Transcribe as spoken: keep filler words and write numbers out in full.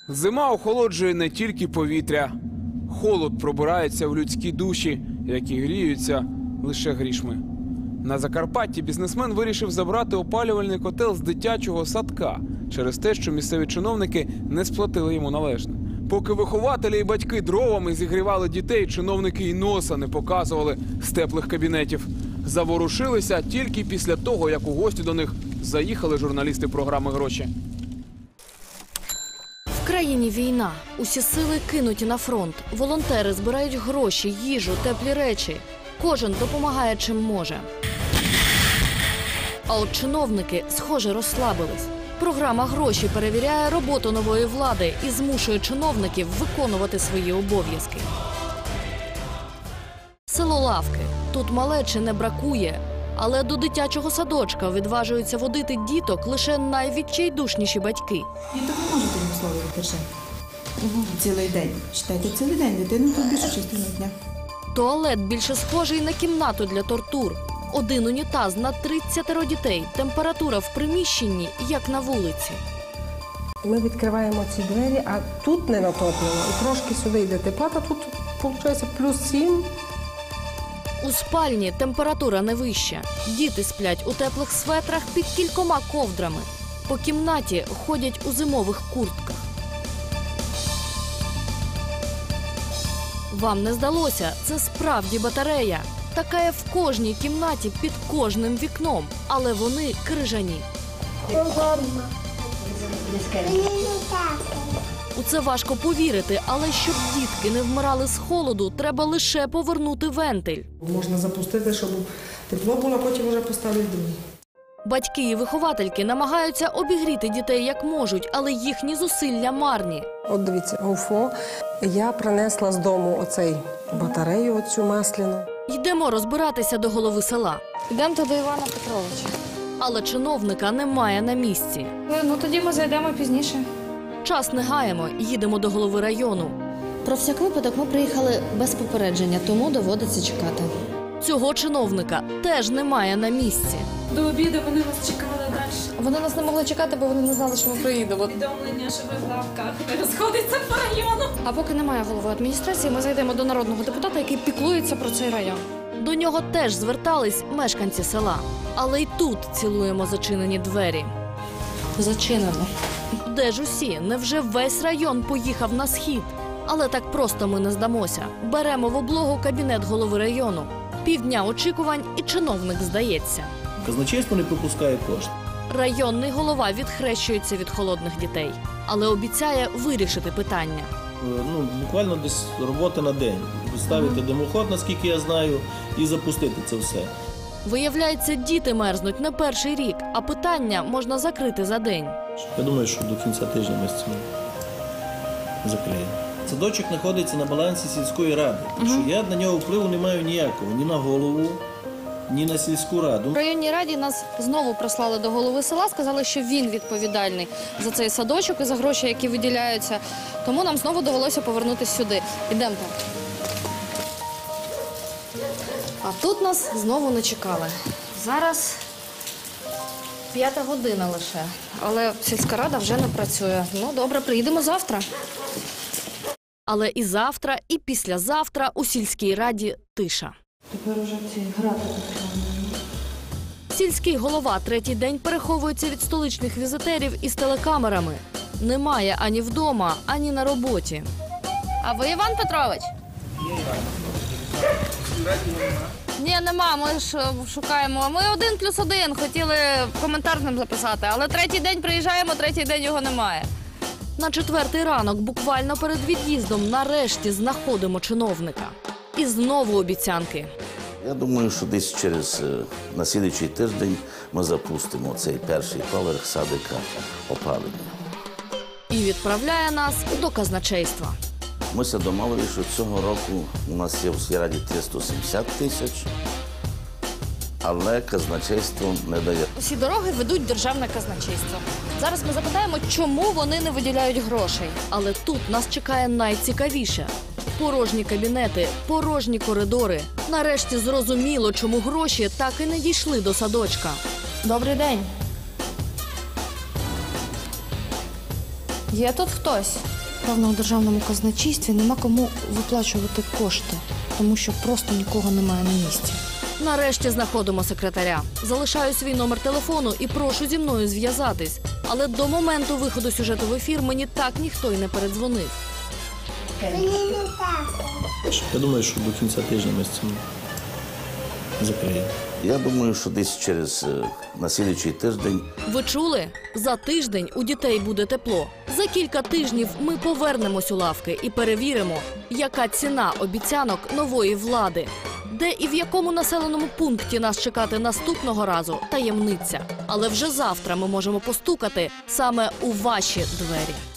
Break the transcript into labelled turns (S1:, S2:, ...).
S1: Зима охолоджує не тільки повітря. Холод пробирається в людські душі, які гріються лише грішми. На Закарпатті бізнесмен вирішив забрати опалювальний котел з дитячого садка через те, що місцеві чиновники не сплатили йому належне. Поки вихователі і батьки дровами зігрівали дітей, чиновники й носа не показували з теплих кабінетів. Заворушилися тільки після того, як у гості до них заїхали журналісти програми «Гроші».
S2: В країні війна. Усі сили кинуті на фронт. Волонтери збирають гроші, їжу, теплі речі. Кожен допомагає чим може. А от чиновники, схоже, розслабились. Програма «Гроші» перевіряє роботу нової влади і змушує чиновників виконувати свої обов'язки. Село Лавки. Тут малечі не бракує. Але до дитячого садочка відважуються водити діток лише найвідчайдушніші батьки.
S3: Діток не можете їм слово держати. Угу. Цілий день. Читайте цілий день. Дитину тут більшу частину дня.
S2: Туалет більше схожий на кімнату для тортур. Один унітаз на тридцять дітей. Температура в приміщенні, як на вулиці.
S4: Ми відкриваємо ці двері, а тут не натоплено. І трошки сюди йде тепла, а тут, виходить, плюс сім.
S2: У спальні температура не вища. Діти сплять у теплих светрах під кількома ковдрами. По кімнаті ходять у зимових куртках. Вам не здалося, це справді батарея. Така є в кожній кімнаті під кожним вікном, але вони крижані. У це важко повірити, але щоб дітки не вмирали з холоду, треба лише повернути вентиль.
S4: Можна запустити, щоб тепло було, потім вже поставити другий.
S2: Батьки і виховательки намагаються обігріти дітей як можуть, але їхні зусилля марні.
S4: От дивіться, ОФО. Я принесла з дому оцей батарею, оцю масляну.
S2: Йдемо розбиратися до голови села.
S5: Йдемо до Івана Петровича.
S2: Але чиновника немає на місці.
S5: Ну тоді ми зайдемо пізніше.
S2: Час не гаємо, їдемо до голови району.
S6: Про всяк випадок ми приїхали без попередження, тому доводиться чекати.
S2: Цього чиновника теж немає на місці.
S5: До обіду вони вас чекали далі.
S6: Вони нас не могли чекати, бо вони не знали, що ми приїдемо.
S5: Повідомлення, що ви в лавках не розходиться по району.
S6: А поки немає голови адміністрації, ми зайдемо до народного депутата, який піклується про цей район.
S2: До нього теж звертались мешканці села. Але й тут цілуємо зачинені двері.
S6: Зачинено.
S2: Де ж усі? Невже весь район поїхав на схід? Але так просто ми не здамося. Беремо в облогу кабінет голови району. Півдня очікувань і чиновник здається.
S7: Казначейство не пропускає кошти.
S2: Районний голова відхрещується від холодних дітей, але обіцяє вирішити питання.
S7: Ну, буквально десь робота на день. Ставити димоход, наскільки я знаю, і запустити це все.
S2: Виявляється, діти мерзнуть не перший рік, а питання можна закрити за день.
S7: Я думаю, що до кінця тижня ми з цим закриємо. Садочок знаходиться на балансі сільської ради, так що я на нього впливу не маю ніякого, ні на голову, ні на сільську раду.
S6: В районній раді нас знову прислали до голови села, сказали, що він відповідальний за цей садочок і за гроші, які виділяються. Тому нам знову довелося повернутися сюди. Ідемо так. А тут нас знову не чекали. Зараз п'ята година лише, але сільська рада вже не працює. Ну, добре, приїдемо завтра.
S2: Але і завтра, і післязавтра у сільській раді тиша.
S3: Тепер уже ці грати потрібно.
S2: Сільський голова третій день переховується від столичних візитерів із телекамерами. Немає ані вдома, ані на роботі.
S6: А ви Іван Петрович? Ні, нема, ми ж шукаємо. Ми один плюс один, хотіли коментар нам записати, але третій день приїжджаємо, третій день його немає.
S2: На четвертий ранок, буквально перед від'їздом, нарешті знаходимо чиновника. І знову обіцянки.
S8: Я думаю, що десь через на слідуючий тиждень ми запустимо цей перший поверх садика опалення.
S2: І відправляє нас до казначейства.
S8: Ми се домовили, що цього року у нас є в сільраді триста сімдесят тисяч, але казначейство не дає.
S6: Усі дороги ведуть державне казначейство. Зараз ми запитаємо, чому вони не виділяють грошей.
S2: Але тут нас чекає найцікавіше. Порожні кабінети, порожні коридори. Нарешті зрозуміло, чому гроші так і не дійшли до садочка.
S6: Добрий день. Є тут хтось? Певно, у державному казначействі нема кому виплачувати кошти, тому що просто нікого немає на місці.
S2: Нарешті знаходимо секретаря. Залишаю свій номер телефону і прошу зі мною зв'язатись. Але до моменту виходу сюжету в ефір мені так ніхто й не передзвонив.
S7: Я думаю, що до кінця тижня ми з цим закриємо.
S8: Я думаю, що десь через е, на слідуючий тиждень
S2: Ви чули? За тиждень у дітей буде тепло. За кілька тижнів ми повернемось у лавки і перевіримо, яка ціна обіцянок нової влади. Де і в якому населеному пункті нас чекати наступного разу – таємниця. Але вже завтра ми можемо постукати саме у ваші двері.